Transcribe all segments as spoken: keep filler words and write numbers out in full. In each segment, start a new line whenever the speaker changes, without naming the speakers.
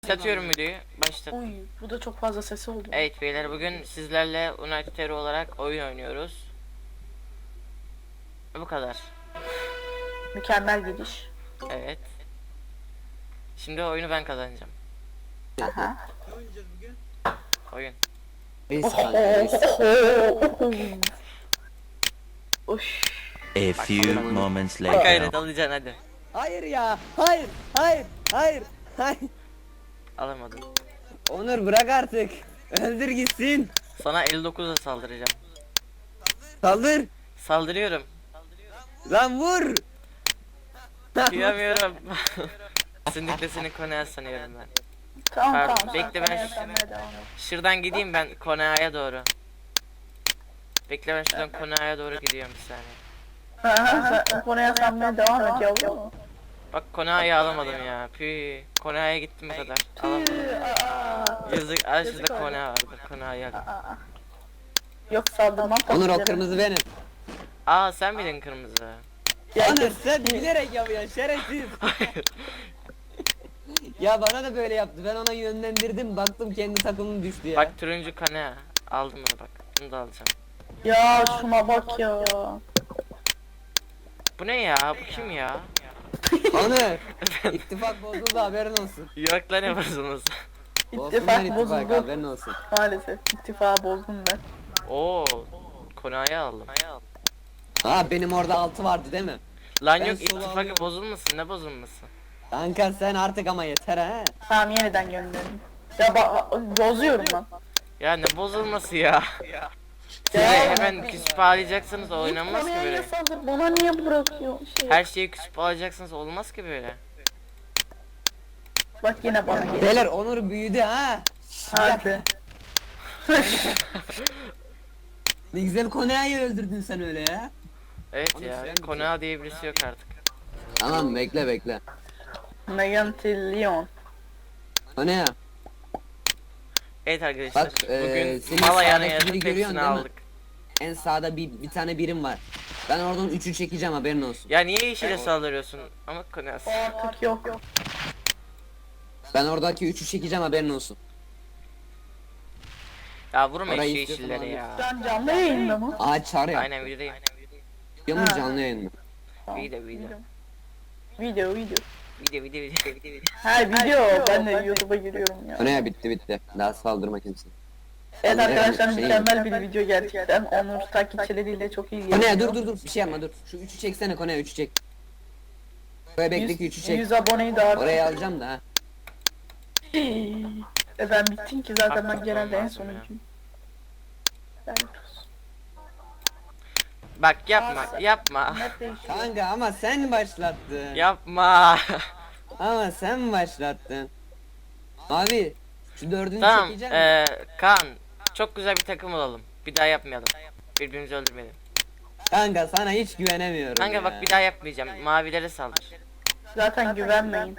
Başlatıyorum videoyu. Başlat.
Uy, bu da çok fazla sesi oldu.
Evet beyler, bugün sizlerle United Hero olarak oyun oynuyoruz. Bu kadar.
Mükemmel gidiş.
Evet. Şimdi oyunu ben kazanacağım.
Aha.
Oyun.
Reis kanka reis.
Uş.
A few moments
Bak gayret
later.
alacaksın hadi.
Hayır ya. Hayır. Hayır. Hayır. Hayır.
Alamadın.
Onur bırak artık. Öldür gitsin.
Sana elli dokuzla saldıracağım.
Saldır.
Saldırıyorum.
Lan vur.
Kıyamıyorum. Kesinlikle seni Kone'ye sanıyorum ben.
Tamam
Pardon,
tamam.
bekle ben
Sen
şu-
yapmaya devam et.
Şuradan gideyim ben Kone'ye doğru. Bekle ben şuradan Kone'ye doğru gidiyorum bir saniye.
Aha, sen konuya sanmaya devam et yavrum.
Bak Kone'yi alamadım ya. Pü. Kone'ye gittim bu kadar. Alamadım.
Aa,
Yazık. Al
Yazık
şurada
oldu.
Kone vardı. Kone'yi al.
aa. Yok saldırmam.
Onur o
tabii.
kırmızı benim.
Aa sen miydin kırmızı?
Ya,
Onur sen bilerek yapıyorsun şerefsiz. Ya bana da böyle yaptı. Ben ona yönlendirdim. Baktım kendi takımım düştü ya.
Bak turuncu Kone. Aldım bunu bak. Bunu da alacağım.
ya şuna bak ya.
Bu ne ya? Bu kim ya?
Onur. İttifak bozuldu haberin olsun.
Yok lan yapıyorsunuz.
Bozsunlar
İttifak
ittifak
bozuldu.
haberin olsun.
Maalesef ittifakı bozdum ben.
Oo. Kone'yi aldım.
Ha benim orada altı vardı değil mi?
Lan
Ben
yok
solo
ittifakı
alıyorum.
bozulmasın. Ne bozulması?
Kanka sen artık ama yeter ha.
Tamam yeniden gönderin. Ya bak bozuyorum lan.
Ya ne bozulması ya? Siz de hemen küsüp ağlayacaksınız, oynanmaz ki
Konuya
böyle.
saldır, bana niye bırakıyor şey?
Her şeyi küsüp alacaksınız, olmaz ki böyle.
Bak yine bana gel.
Beyler Onur büyüdü ha.
Hadi.
Ne güzel Kone'yi öldürdün sen öyle ya.
Evet
Onu
ya,
sen
Kone diye birisi yok artık.
Tamam bekle bekle.
Megan Thee Leon.
Kone ya.
Evet arkadaşlar,
Bak, eee,
bugün
senin
mal ayağını
sağdaki
yaratıp
biri görüyorsun
hepsini
değil mi?
aldık.
En sağda bir, bir tane birim var. Ben oradan üçü çekeceğim haberin olsun.
Ya niye yeşile saldırıyorsun? Ama Kone
O artık yok. yok.
Ben oradaki üçü çekeceğim haberin olsun.
Ya vurma şu
Orayı istiyorsan
yeşilleri
al.
ya.
Sen canlı yayında mı?
Ağaç çağır ya.
Aynen videodayım.
Biliyor musun
Ha.
canlı yayında?
Video video.
Video video.
Video video video video video.
Ha video. Ben de YouTube'a giriyorum ya.
Kone ya bitti bitti. Daha saldırma kimse.
Evet arkadaşlar
Şey-
mükemmel bir video gerçekten. Onur takipçileriyle çok iyi
Kone ya
geliyor.
dur dur dur bir şey yapma dur. Şu üçü çeksene Kone ya üçü çek. Buraya bekle ki üçü çek.
yüz aboneyi daha
Oraya alacağım da ha.
E ben bittim ki zaten ben
Artık
genelde en
olmaz mı ya?
sonuncuyum. Ben
Bak yapma yapma.
net değişiyor.
Kanka ama sen başlattın.
Yapma.
Ama sen başlattın. Abi şu dördünü
Tamam
çekeceğim.
eee Kaan, çok güzel bir takım olalım. Bir daha yapmayalım. Birbirimizi öldürmeyelim.
Kanka sana hiç güvenemiyorum
Kanka
ya.
bak bir daha yapmayacağım. Mavilere saldır.
Zaten güvenmeyin.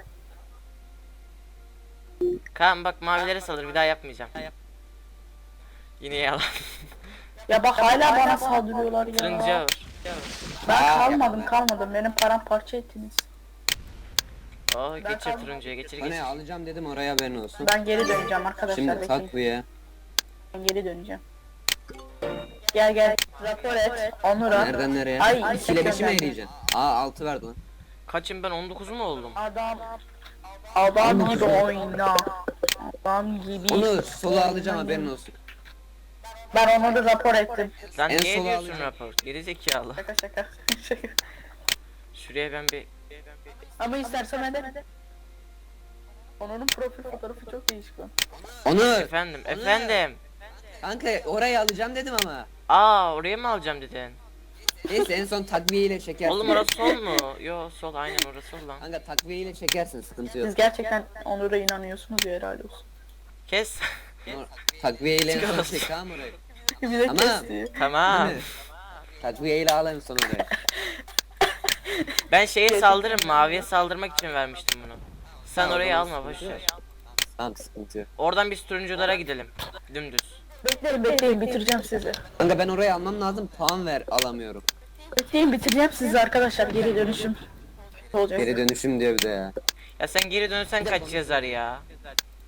Kaan bak mavilere saldır, bir daha yapmayacağım. Yine yalan.
Ya bak hala bana saldırıyorlar
Turuncuya
ya.
vur.
Ben kalmadım kalmadım. Benim paramparça ettiniz.
Oh geçir
kalmadım.
turuncuya, geçir
Kone
geçir.
alacağım dedim oraya haberin olsun.
Ben geri döneceğim arkadaşlar.
Şimdi
Bekleyin.
tak bu ya.
Ben geri döneceğim. Gel gel. Rapor et. Onur'a.
Nereden nereye?
Ay,
iki ile beşi mi
gönderdi.
eriyeceksin? Aa altı verdi lan.
Kaçım ben, on dokuz mu oldum?
Adam. Adam gibi oyna. Adam gibi.
Onu sola alacağım haberin olsun.
Ben onu da rapor ettim.
Lan
En
niye
sola
ediyorsun
alacağım.
rapor? Geri zekalı.
Şaka şaka. Şaka.
Şuraya ben bir...
Ama istersen hadi. Onur'un profil fotoğrafı çok değişik lan.
Onur.
Efendim
Onu-
efendim.
Kanka orayı alacağım dedim ama.
Aa oraya mı alacağım dedin?
Neyse en son takviyeyle çekersin.
Oğlum orası sol mu? Yo sol, aynen orası sol lan.
Kanka takviyeyle çekersin sıkıntı yok.
Siz gerçekten Onur'a inanıyorsunuz ya helal olsun.
Kes.
Onur, takviyeyle en son
Çıkarız.
çek tamam orayı.
Bir de
Ama-
kesti.
Tamam.
Değil mi? Takviyeyle al en son orayı.
Ben şeye saldırırım, maviye saldırmak için vermiştim bunu. Sen
Tamam,
orayı
tamam,
alma,
sıkıntı
boş
yok.
ver.
Tamam sıkıntı yok.
Oradan biz turunculara gidelim. Dümdüz.
Bekleyin bekleyin bitireceğim sizi.
Kanka ben orayı almam lazım puan ver alamıyorum.
Bekleyin bitireceğim sizi arkadaşlar geri dönüşüm. Olacak.
Geri dönüşüm diyor bir de ya.
Ya sen geri dönsen kaç yazar ya?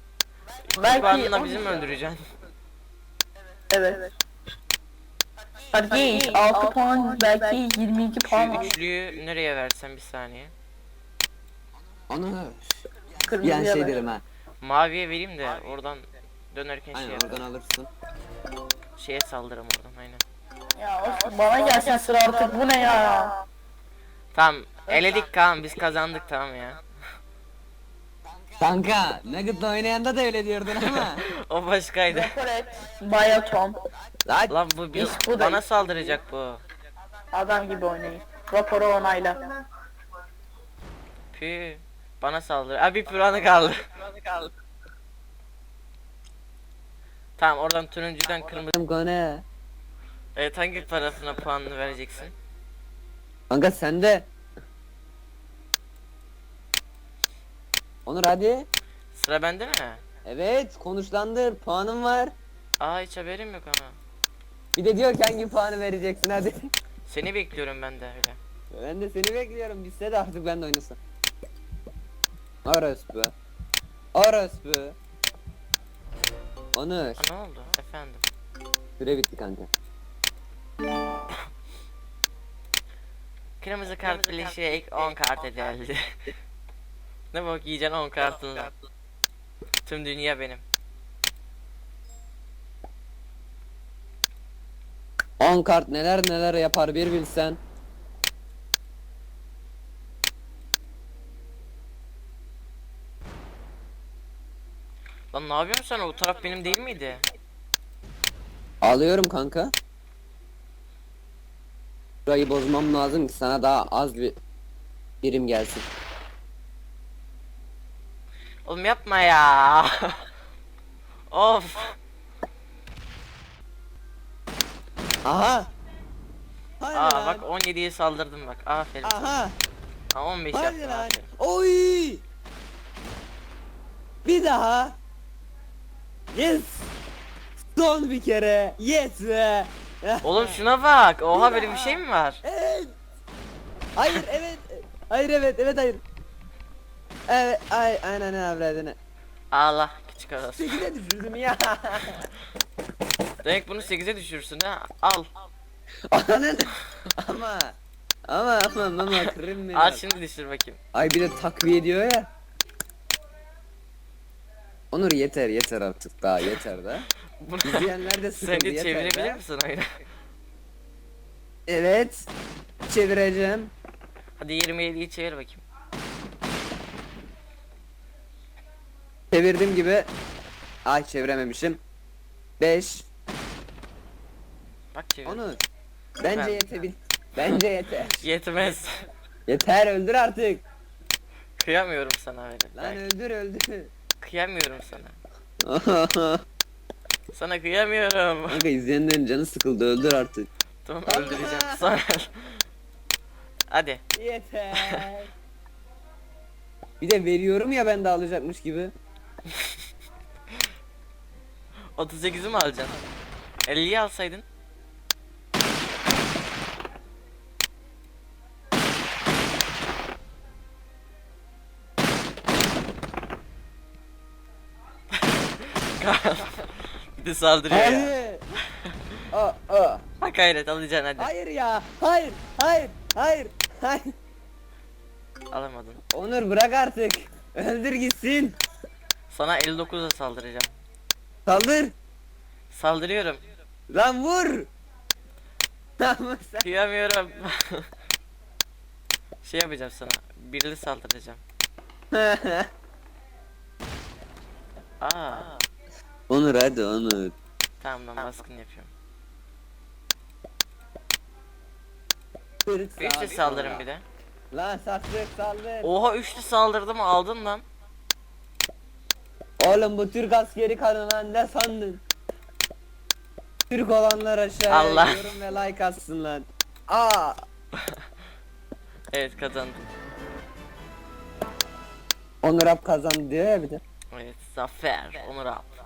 Belki
puanla bizi mi öldüreceksin?
Evet. Hadi geç. altı puan belki yirmi iki
Şu
puan var.
üçlüyü nereye versen bir saniye.
Onu bir
Kırmızıya
an şey
ver.
derim ha.
Maviye vereyim de oradan dönerken şey
Aynen
yaparım.
oradan alırsın.
Şeye saldırırım oradan aynen.
Ya olsun, bana gelsin sıra artık, bu ne ya?
Tamam eledik Kaan, biz kazandık tamam ya.
Kanka Nugget'la oynayanda da öyle diyordun ama.
O başkaydı.
Rapor et. Baya Tom.
Lan
Lan bu bir,
İş bu da
bana
iş.
saldıracak bu.
Adam gibi oynayın. Raporu onayla.
Pü. Bana saldır. Abi bir puanı kaldı. Tamam oradan turuncudan kırmızı.
konu.
Evet hangi tarafına puanını vereceksin?
Kanka sen de. Onur hadi.
Sıra bende mi?
Evet konuşlandır puanım var.
Aa hiç haberim yok ama.
Bir de diyor ki hangi puanı vereceksin hadi.
Seni bekliyorum ben de öyle.
Ben de seni bekliyorum bitse de artık ben de oynasam. Orospu. Orospu. Onur.
Aa, ne oldu efendim?
Süre bitti kanka.
Kırmızı kart birleşerek on kart edildi. Ne bok yiyeceksin on kartını. Tüm dünya benim.
on kart neler neler yapar bir bilsen.
Lan ne yapıyorsun sen, o taraf benim değil miydi?
Alıyorum kanka. Burayı bozmam lazım ki sana daha az bir birim gelsin.
Oğlum yapma ya. Of.
Aha. Hadi
Aa
lan.
bak on yediye saldırdım bak. Aferin.
Aha.
Aa, on beş
Hadi
yaptım
lan.
aferin.
Oy. Bir daha. Yes. Son bir kere. Yes be.
Oğlum şuna bak. Oha böyle bir şey mi var?
Evet. Hayır evet. Hayır evet evet hayır. Evet ay aynen avradını.
Allah küçük arası.
sekize düşürdüm ya.
Demek bunu sekize düşürsün ha. Al.
Ananı. ama ama ama ama kırım beni.
Al şimdi düşür bakayım.
Ay bir de takviye ediyor ya. Onur yeter yeter artık daha yeter da.
Bunu
İzleyenler de sıkıldı
sence
yeter
çevirebilir
da.
misin oyunu?
Evet. Çevireceğim.
Hadi yirmi yediyi çevir bakayım.
Çevirdim gibi. Ay çevirememişim. beş.
Bak çevir.
Onur. Bence
Ben-
yetebil. Bence yeter.
Yetmez.
Yeter öldür artık.
Kıyamıyorum sana öyle.
Lan
Ben
öldür öldür.
kıyamıyorum sana. Sana kıyamıyorum.
Kanka izleyenlerin canı sıkıldı öldür artık.
Tamam öldüreceğim. Sonra. Hadi.
Yeter. Bir de veriyorum ya ben de alacakmış gibi.
otuz sekizi mi alacaksın? elliyi alsaydın. Bir de saldırıyor ya.
Hayır. Aa, aa.
Ha gayret alacaksın hadi.
Hayır ya. Hayır. Hayır. Hayır. Hayır.
Alamadın.
Onur bırak artık. Öldür gitsin.
Sana elli dokuzla saldıracağım.
Saldır.
Saldırıyorum.
Lan vur. Tamam sen.
Kıyamıyorum. Şey yapacağım sana. Birli saldıracağım. Aa.
Onur hadi Onur.
Tamam lan baskın yapıyorum.
Kırık
Üçlü
saldır.
saldırın bir de.
Lan saklık saldır.
Oha üçlü saldırdım aldın lan.
Oğlum bu Türk askeri kanına ne sandın? Türk olanlar aşağıya
Allah.
yorum ve like atsın lan. Aa.
Evet kazandım.
Onur Alp kazandı diyor ya bir de.
Evet zafer Onur abi.